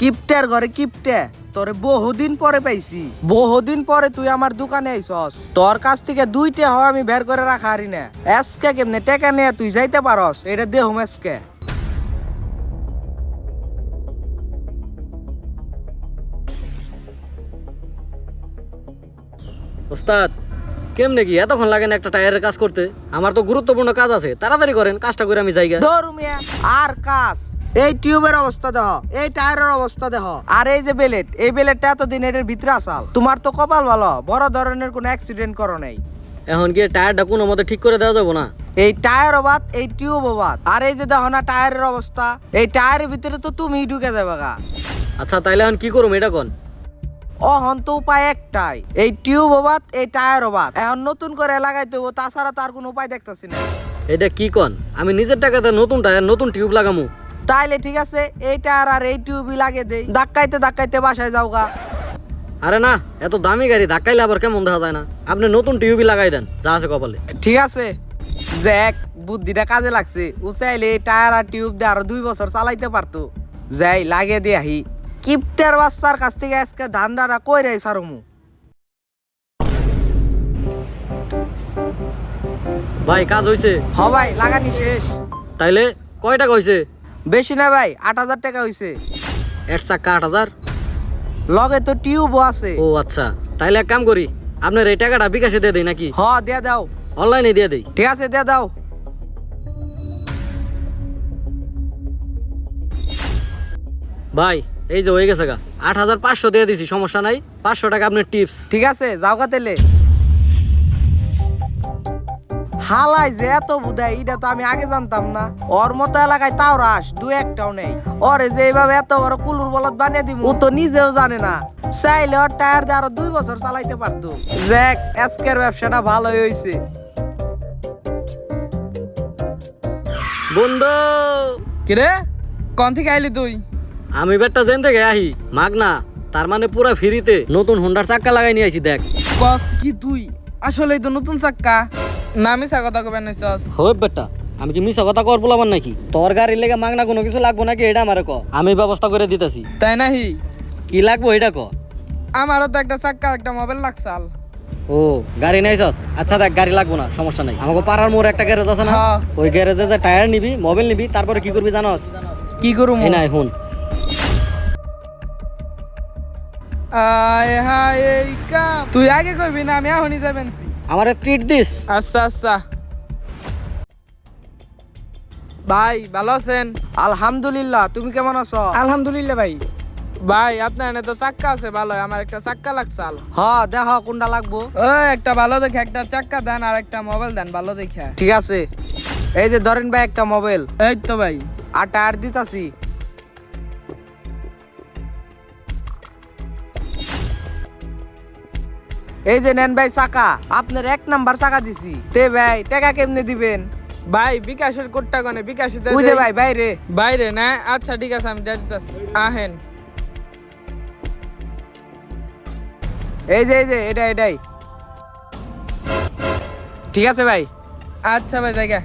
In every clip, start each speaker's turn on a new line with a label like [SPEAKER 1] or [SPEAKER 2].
[SPEAKER 1] কিপটের ঘরে কিপটে তোরে বহুদিন পরে পাইছি। বহুদিন পরে তুই আমার দোকানে আইছস। তোর কাছ থেকে 2টা হয় আমি বের করে রাখা হারি না। আজকে কেমনে টাকা নিয়ে তুই যাইতে পারস এটা দেহুম আজকে।
[SPEAKER 2] ওস্তাদ কেমনে কি এতক্ষণ লাগে না একটা টায়ারের কাজ করতে? আমার তো গুরুত্বপূর্ণ কাজ আছে, তাড়াতাড়ি করেন, কাজটা করে আমি যাইগা।
[SPEAKER 1] ধরু মিয়া আর কাজ। এই টিউবের অবস্থা দেখ, এই টায়ারের অবস্থা দেখ, আর এই যে বেলেট, এই বেলেটটা এতদিন এটার ভিতরে আসাল। তোমার তো কপাল ভালো, বড় ধরনের কোনো অ্যাক্সিডেন্ট করো নাই।
[SPEAKER 2] এখন গিয়ে টায়ারটা কোনো মতে ঠিক করে দেওয়া যাবো না?
[SPEAKER 1] এই টায়ার অবাদ, এই টিউব অবাদ, আর এই যে দেখো না টায়ারের অবস্থা, এই টায়ারের ভিতরে তো তুমি ঢুকে যাবে গা।
[SPEAKER 2] আচ্ছা তাইলে এখন কি করুম এটা কোন?
[SPEAKER 1] অহন তো উপায় একটাই, এই টিউব অবাদ, এই টায়ার অবাদ, এখন নতুন করে লাগাইতে হবো, তাছাড়া তার কোনো উপায় দেখতেছি না।
[SPEAKER 2] এটা কি কন? আমি নিজের টাকাতে নতুন টায়ার নতুন টিউব লাগামু?
[SPEAKER 1] তাইলে ঠিক আছে, এই টায়ার আর এই টিউবই লাগিয়ে দেই, ধাক্কাইতে ধাক্কাইতে বাসায় যাও গা।
[SPEAKER 2] আরে না, এত দামি গাড়ি ধাক্কাইলে আবার কেমন দেখা যায় না? আপনি নতুন টিউবই লাগাই দেন, যা আছে কপালে।
[SPEAKER 1] ঠিক আছে, জ্যাক বুদ্ধিটা কাজে লাগছে। ও চাইলে এই টায়ার আর টিউব দিয়ে আরো 2 বছর চালাইতে পারতো। যাই লাগিয়ে দিয়ে আহি। কিপ্টার বাচ্চার কাছ থেকে আজকে ধান্দাটা কইরে সারমু।
[SPEAKER 2] ভাই কাজ হইছে?
[SPEAKER 1] হ ভাই, লাগানি শেষ।
[SPEAKER 2] তাইলে কয় টাকা হইছে?
[SPEAKER 1] বেশি না ভাই, 8,000 টাকা হইছে।
[SPEAKER 2] এর চাক্কা 8,000?
[SPEAKER 1] লগে তো টিউবও আছে।
[SPEAKER 2] ও আচ্ছা, তাইলে এক কাম করি, আপনার এই টাকাটা বিকাশে দিয়ে দেই নাকি
[SPEAKER 1] হ দিয়ে দাও।
[SPEAKER 2] অনলাইনে দিয়ে দেই?
[SPEAKER 1] ঠিক আছে দিয়ে দাও।
[SPEAKER 2] ভাই এই যে হয়ে গেছে গা, 8,500 দিয়ে দিছি, সমস্যা নাই। 500 টাকা আপনার টিপস।
[SPEAKER 1] ঠিক আছে যাও গা তেলে। হালাই যে এত বুধাই, এটা তো আমি আগে জানতাম না। ওর মতো এলাকায় তাও রাস 2-1টাও নেই। ওরে যে এইভাবে এত বড় কুলুর বলদ বানিয়ে দিব, ও তো নিজেও জানে না। চাইলে ওর টায়ার দিয়ে আরো 2 বছর চালাইতে পারতো। জ্যাক আজকের ব্যবসাটা ভালোই হয়েছে।
[SPEAKER 2] বন্ধু
[SPEAKER 3] কিরে কোন থেকে আইলি তুই?
[SPEAKER 2] আমি বেটা জেন থেকে আহি মাগনা, তার মানে পুরা ফ্রিতে নতুন হোন্ডার চাক্কা লাগাই নিয়ে আইছি দেখ।
[SPEAKER 3] কস কি তুই? আসলেই তো নতুন চাক্কা। না মিছা কথা কবে নাইছস?
[SPEAKER 2] হয় বেটা, আমি কি মিছা কথা কর বলাবার নাকি? তোর গাড়ির লেগে মাগনা কোনো কিছু লাগবো নাকি এটা আমারে ক, আমি ব্যবস্থা করে দিতেছি।
[SPEAKER 3] তাই নাহি?
[SPEAKER 2] কি লাগবো এটা ক।
[SPEAKER 3] আমারও তো একটা চাক্কা একটা মোবাইল লাগছাল।
[SPEAKER 2] ও গাড়ি নাইছস? আচ্ছা দেখ, গাড়ি লাগবো না, সমস্যা নাই। আমাকে পাড়ার মোড় একটা গ্যারেজ আছে না,
[SPEAKER 3] হ্যাঁ।
[SPEAKER 2] ওই গ্যারেজে যে টায়ার নিবি, মোবাইল নিবি, তারপরে কি করবি জানস?
[SPEAKER 3] কি করু
[SPEAKER 2] এই নাই হুন।
[SPEAKER 3] আয় হায় এই কাম তুই আগে কইবি না, আমি এখনই যাবেনছি।
[SPEAKER 2] আমার ট্রিট দিস।
[SPEAKER 3] আচ্ছা আচ্ছা। ভাই ভালো আছেন?
[SPEAKER 1] আলহামদুলিল্লাহ, তুমি কেমন আছো?
[SPEAKER 3] আলহামদুলিল্লাহ ভাই। ভাই আপনার এনে তো চাক্কা আছে ভালো, আমার একটা চাক্কা লাগছাল।
[SPEAKER 1] হ দেখো কোনটা লাগবো।
[SPEAKER 3] ও একটা ভালো দেখে একটা চাক্কা দেন আর একটা মোবাইল দেন ভালো দেখে।
[SPEAKER 1] ঠিক আছে, এই যে ধরেন ভাই একটা মোবাইল,
[SPEAKER 3] এই তো ভাই।
[SPEAKER 1] আর টায়ার দিতাছি। এই যে নেন ভাই চাকা, আপনার 1 নাম্বার চাকা দিছি। তে ভাই টাকা কেমনে দিবেন?
[SPEAKER 3] ভাই বিকাশের কোডটা কোনে? বিকাশে
[SPEAKER 1] ওই যে ভাই বাইরে।
[SPEAKER 3] বাইরে না? আচ্ছা ঠিক আছে, আমি দিয়ে দিতেছি। আহেন।
[SPEAKER 1] এই যে এটাই ঠিক আছে ভাই।
[SPEAKER 3] আচ্ছা ভাই জায়গা।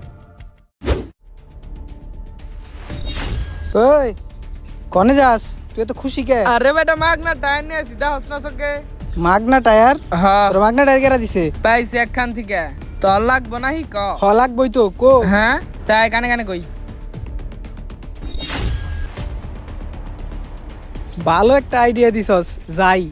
[SPEAKER 4] ওই কনে যাস? তুই তো খুশি কে?
[SPEAKER 3] আরে বেটা মাগনা টায়ার নিয়ে সিধা হসনা চকে।
[SPEAKER 4] মাগনা টায়ার?
[SPEAKER 3] হ্যাঁ
[SPEAKER 4] তোর মাগনা টায়ার কেরা দিছে?
[SPEAKER 3] পাইছি একখান থেকে। তোর লাগবো নাহি ক?
[SPEAKER 4] হ লাগবই তো, কো।
[SPEAKER 3] হ্যাঁ তাই কানে কানে কই।
[SPEAKER 4] ভালো একটা আইডিয়া দিছস, যাই।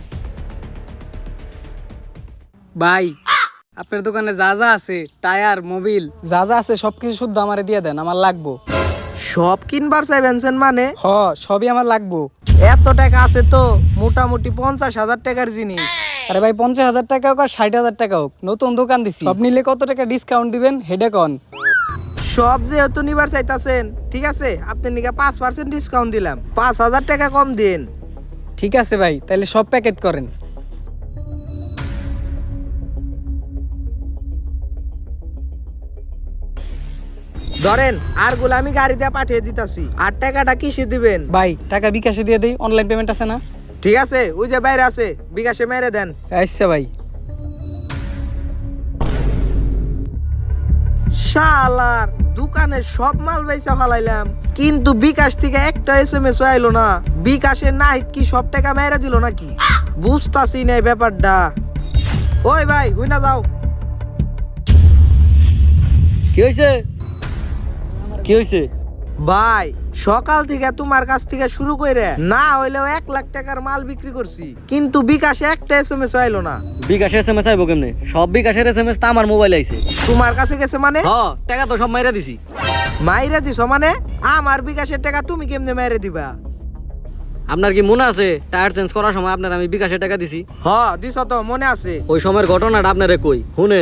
[SPEAKER 4] ভাই আপনার দোকানে যা যা আছে, টায়ার মোবিল যা যা আছে সবকিছু শুদ্ধ আমারে দিয়ে দেন, আমার লাগবো।
[SPEAKER 1] সব কিনবার চাইবেন মানে?
[SPEAKER 4] হ সবই আমার লাগবো।
[SPEAKER 1] এত টাকা আছে তো, মোটামুটি 50,000 টাকার জিনিস।
[SPEAKER 4] আরে ভাই 50,000 টাকা হোক আর 60,000 টাকা হোক, নতুন দোকান দিছি, সব নিলে কত টাকা ডিসকাউন্ট দিবেন হেডে কন।
[SPEAKER 1] সব যেহেতু নিবার চাইতাছেন, ঠিক আছে আপনি নিকে 5% ডিসকাউন্ট দিলাম, 5,000 টাকা কম দিন।
[SPEAKER 4] ঠিক আছে ভাই, তাহলে সব প্যাকেট করেন।
[SPEAKER 1] ধরেন আর গুলো আমি গাড়ি দিয়ে পাঠিয়ে দিতাছি। আর টাকাটা কিসে দিবেন?
[SPEAKER 4] ভাই টাকা বিকাশে দিয়ে দেই, অনলাইন পেমেন্ট আছে না?
[SPEAKER 1] ঠিক আছে, ওই যে বাইরে আছে, বিকাশে মেরে দেন।
[SPEAKER 4] আচ্ছা ভাই।
[SPEAKER 1] শালার দোকানের সব মাল বেচা ফালাইলাম, কিন্তু বিকাশ থেকে একটা SMS আইলো না। বিকাশের নাহিদ কি সব টাকা মেরে দিল নাকি? বুঝতাছি না এই ব্যাপারটা। ওই ভাই হুইনা যাও।
[SPEAKER 2] কি হয়েছে? কি হয়েছে?
[SPEAKER 1] ভাই সকাল থেকে তোমার কাছ থেকে শুরু করে না হইলেও 1 লাখ টাকার মাল বিক্রি করছি, কিন্তু বিকাশে একটা SMS আইলো না।
[SPEAKER 2] বিকাশে SMS আইবো কেমনে? সব বিকাশের SMS তো আমার মোবাইলে আইছে।
[SPEAKER 1] তোমার কাছে গেছে মানে?
[SPEAKER 2] হ, টাকা তো সব মাইরা দিছি।
[SPEAKER 1] মাইরে দিছো মানে? আমার বিকাশের টাকা তুমি কেমনে মাইরে দিবা?
[SPEAKER 2] আপনার কি মনে আছে টায়ার চেঞ্জ করার সময় আপনার আমি বিকাশে টাকা দিছি?
[SPEAKER 1] হ দিছো তো, মনে আছে।
[SPEAKER 2] ওই সময়ের ঘটনাটা আপনারে কই শুনেন।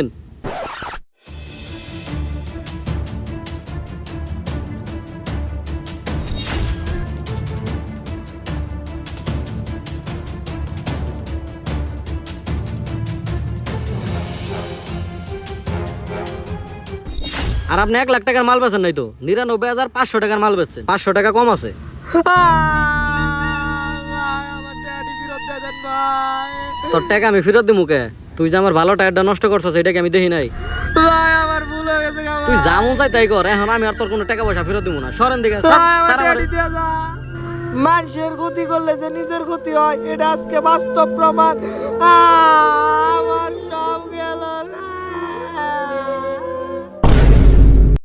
[SPEAKER 2] আর আপনি 1 লাখ টাকার মাল বেচেন নাই তো, 99,500 টাকার মাল বেচছেন। 500 টাকা কম আছে। তোর টাকা আমি ফেরত দিমু কে? তুই যে আমার ভালো টায়ারটা নষ্ট করছস এটা কি আমি দেখি নাই?
[SPEAKER 1] ভাই আমার ভুল হয়ে গেছে গা
[SPEAKER 2] তুই
[SPEAKER 1] ভাই।
[SPEAKER 2] যা মন চাই তাই কর, এখন আমি আর তোর কোনো টাকা পয়সা ফেরত দিমু না। সরেন দিকে
[SPEAKER 1] ভাই, আমার টাকা দিয়ে যা। মানুষের ক্ষতি করলে যে নিজের ক্ষতি হয়, এটা আজকে বাস্তব প্রমাণ।